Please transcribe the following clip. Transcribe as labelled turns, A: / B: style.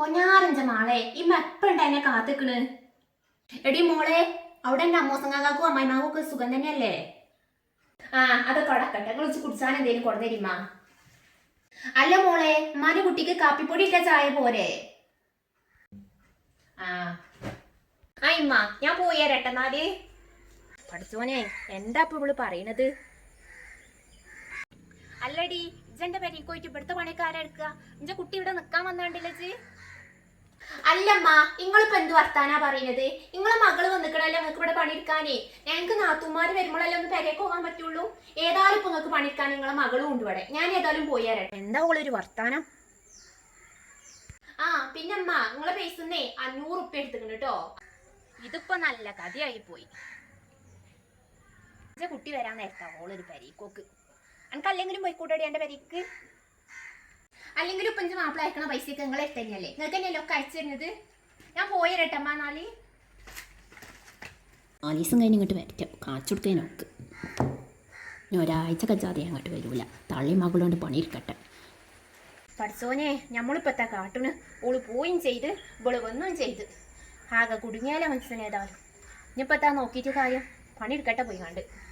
A: പൊന്നാരഞ്ച മാളെ ഈ മെപ്പുണ്ട് എന്നെ കാത്തിക്കണ്. എടി മോളെ, അവിടെ എന്റെ അമ്മോസങ്ങാക്കും അമ്മായിമാക്കും ഒക്കെ സുഖം തന്നെയല്ലേ? ആ അതൊക്കെ അടക്കട്ടെ, വിളിച്ച് കുടിച്ചാൻ എന്തേലും കൊടുത്തരിമ്മ. അല്ല മോളെ, ഉമ്മാന്റെ കുട്ടിക്ക് കാപ്പിപ്പൊടി ഇട്ട ചായ പോരെ? ആ ആ ഇമ്മ, ഞാൻ പോയി തരട്ടെന്നാല്. പഠിച്ചോനെ, എന്താ ഇപ്പൊ ഇവള് പറയണത്? അല്ലടി, ഇജന്റെ പെരീക്ക് പോയിട്ട് ഇവിടുത്തെ പണിക്കാരെടുക്കുക. ഇന്റെ കുട്ടി ഇവിടെ നിക്കാൻ വന്നാണ്ടില്ലേ? അല്ലമ്മ, നിങ്ങളിപ്പോ എന്ത് വർത്താനാ പറയുന്നത്? നിങ്ങളെ മകള് വന്നിക്കണല്ലോ നിങ്ങൾക്ക് ഇവിടെ പണിയെടുക്കാനേ. ഞങ്ങൾക്ക് നാത്തുമാര് വരുമ്പോഴല്ലേ ഒന്ന് പെരേക്ക് പോകാൻ പറ്റുള്ളൂ. ഏതായാലും ഇപ്പൊ നിങ്ങൾക്ക് പണിയെടുക്കാൻ നിങ്ങളെ മകളും ഉണ്ട് ഇവിടെ. ഞാൻ ഏതായാലും പോയി തരട്ടെ. എന്താ ഒരു വർത്താനം? ആ പിന്നമ്മ, നിങ്ങളെ പൈസന്നേ 500 ഉറുപ്പ്യ എടുത്തിട്ടുണ്ട് കേട്ടോ. ഇതിപ്പോ നല്ല കഥയായി പോയി. കുട്ടി വരാൻ നേരത്താ ഓളൊരു പെരീക്കോക്ക്. എനിക്ക് അല്ലെങ്കിലും പോയിക്കൂട്ടടി എന്റെ പെരീക്ക്. അല്ലെങ്കിലും ഇപ്പൊ എന്റെ മാപ്പിള അയക്കണ പൈസയൊക്കെ നിങ്ങൾ എടുത്തന്നെയല്ലേ, നിങ്ങൾക്ക് തന്നെയല്ലോ ഒക്കെ അയച്ചു തരുന്നത്. ഞാൻ പോയി തരട്ടമ്മ. നാല്
B: ദിവസം കഴിഞ്ഞ് ഇങ്ങോട്ട് വരട്ടെ, കാച്ചു കൊടുക്കാനൊക്കെ. ഇനി ഒരാഴ്ച കച്ചാതെ അങ്ങോട്ട് വരൂല. തള്ളി മകളുകൊണ്ട് പണിയിരിക്കട്ടെ.
A: പഠിച്ചോനെ, ഞമ്മളിപ്പത്താ കാട്ടുണ്. ഓള് പോയും ചെയ്ത് ഇവള് വന്നും ചെയ്ത് ആകെ കുടുങ്ങിയാലേ മനസ്സിനേതായാലും. ഇനിയിപ്പത്താ നോക്കിയിട്ട് കാര്യം, പണിയെടുക്കട്ടെ പോയി കണ്ട്.